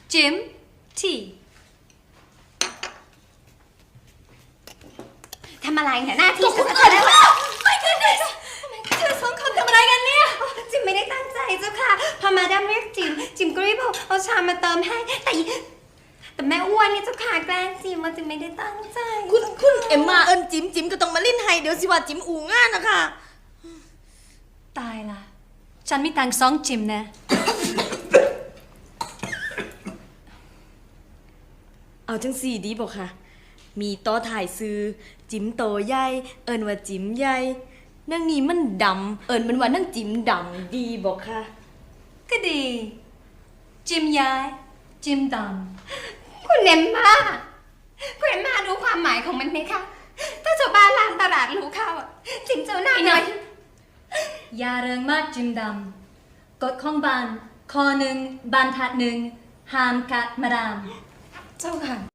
จิมทีทำอะไรเนี่ยหน้าที่ฉันจะได้แล้วไม่ขึ้นเลยเธอสองคนทำอะไรกันเนี่ยจิมไม่ได้ตั้งใจเจ้าค่ะพอมาดามเรียกจิมก็รีบเอาชามมาเติมให้แต่แม่อ้วนนี่เจ้าค่ะแกล้งจิมมาจิมไม่ได้ตั้งใจคุณเอ็มมาเอิญจิมก็ต้องมาลิ้นให้เดี๋ยวสิว่าจิมอู่ง่านนะคะตายละฉันมีตังค์2 จิมนะเอาจังสี่ดีบอกค่ะมีต่อถ่ายซื้อจิมโตใหญ่เอิญว่าจิมใหญ่นั่งนี้มันดำเอิญมันว่านั่งจิมดำดีบอกค่ะก็ดีจิมย้ายจิมดำคุณเอ็มมารู้ความหมายของมันไหมคะถ้าชาวบ้านลานตลาดรู้เข้าจิมเจ้าหน้าหน่อยอย่าเริงมากจิมดำกฎของบ้านข้อ 1บรรทัด 1ห้ามกัดมาดามเจ้าค่ะ